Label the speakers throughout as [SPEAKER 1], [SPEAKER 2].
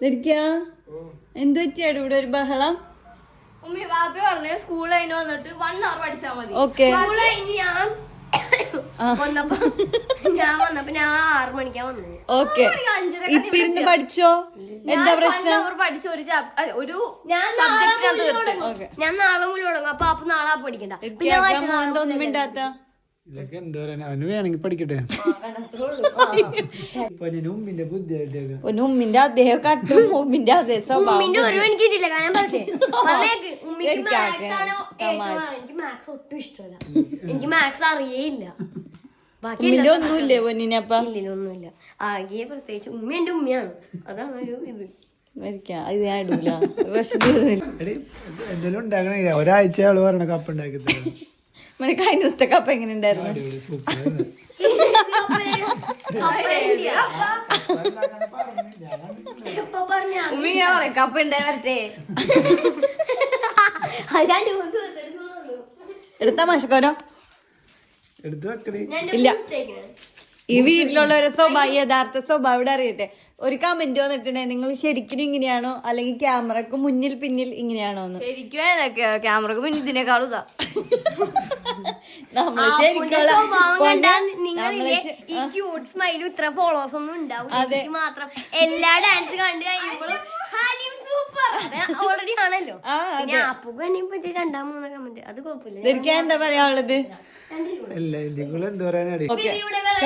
[SPEAKER 1] എന്ത് വെച്ചാണ് ഇവിടെ ഒരു ബഹളം?
[SPEAKER 2] ഉമ്മി വാപ്പ പറഞ്ഞു സ്കൂൾ കഴിഞ്ഞ് വന്നിട്ട് 1 hour പഠിച്ചാ മതി.
[SPEAKER 1] ഓക്കെ
[SPEAKER 3] ഞാൻ വന്നപ്പോ ഞാൻ 6 മണിക്കാ വന്നത്.
[SPEAKER 1] ഓക്കെ ഇപ്പൊ ഇരുന്ന് പഠിച്ചോ? എന്താ പ്രശ്നം?
[SPEAKER 2] പഠിച്ച ഒരു
[SPEAKER 3] ഞാൻ നാളെ മുഴുവൻ തുടങ്ങും. അപ്പൊ നാളെ പഠിക്കണ്ട.
[SPEAKER 1] ഒന്നും മിണ്ടാത്ത
[SPEAKER 4] ഇതൊക്കെ എന്താ പറയാ, അവന് വേണമെങ്കിൽ പഠിക്കട്ടെ. ഉമ്മിന്റെ ബുദ്ധിയായിട്ട്
[SPEAKER 1] ഉമ്മിന്റെ അദ്ദേഹം കട്ടും ഉമ്മിന്റെ അതേ സ്വഭാവം.
[SPEAKER 3] ഉമ്മിന്റെ ഒരു എനിക്ക് കിട്ടില്ല. കാരണം ഉമ്മിക്ക് മാത്സ് ആണ് ഏറ്റവും. എനിക്ക് മാത്സ് ഒട്ടും ഇഷ്ടമല്ല. എനിക്ക് മാത്സ് അറിയേയില്ല.
[SPEAKER 1] ഉമ്മിന്റെ ഒന്നുമില്ലേ പൊന്നിനപ്പ?
[SPEAKER 3] ഒന്നുമില്ല. ആകെ പ്രത്യേകിച്ച് ഉമ്മ എന്റെ ഉമ്മയാണ്. അതാണ് ഒരു ഇത്.
[SPEAKER 1] ഇത് ഞാൻ ഇടൂല.
[SPEAKER 4] എന്തെങ്കിലും ഉണ്ടാക്കണേ. ഒരാഴ്ച ആള് പറഞ്ഞ കപ്പ് ഉണ്ടാക്കി തരാം.
[SPEAKER 1] കഴിഞ്ഞ ദിവസത്തെ കപ്പ എങ്ങനെ ഉണ്ടായിരുന്നു?
[SPEAKER 2] ഉമ്മി ഞാൻ പറയാം കപ്പ ഉണ്ടായി വരട്ടെ.
[SPEAKER 1] എടുത്താ മശക്കോരോ
[SPEAKER 4] എടുത്ത് വെക്കണേ.
[SPEAKER 1] ഇല്ല, ഈ വീട്ടിലുള്ളവരെ സ്വഭാവം, യഥാർത്ഥ സ്വഭാവം ഇവിടെ അറിയട്ടെ. ഒരു കമന്റ് വന്നിട്ടുണ്ടെങ്കിൽ നിങ്ങൾ ശരിക്കും ഇങ്ങനെയാണോ അല്ലെങ്കിൽ ക്യാമറക്ക് മുന്നിൽ പിന്നിൽ ഇങ്ങനെയാണോ എന്ന്.
[SPEAKER 2] ശരിക്കും ക്യാമറക്ക് മുന്നിൽ ഇതിനേക്കാളും ഇതാ.
[SPEAKER 1] നമ്മള് ശരിക്കും
[SPEAKER 3] ഈ ക്യൂട്ട് സ്മൈലും ഇത്ര ഫോളോവേഴ്സ് ഒന്നും ഉണ്ടാവില്ല മാത്രം. എല്ലാ ഡാൻസ് കണ്ടു കഴിയുമ്പോഴും സൂപ്പർ ഓൾറെഡി ആണല്ലോ. പിന്നെ ആപ്പുക്ക് വേണ്ടി 2-3 കമന്റ് അത് കുഴപ്പമില്ല.
[SPEAKER 1] എന്താ പറയാനുള്ളത്?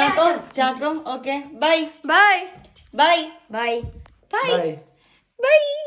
[SPEAKER 4] എന്താ പറയാ?
[SPEAKER 1] Chacko okay bye
[SPEAKER 2] bye
[SPEAKER 1] bye
[SPEAKER 3] bye
[SPEAKER 1] bye by.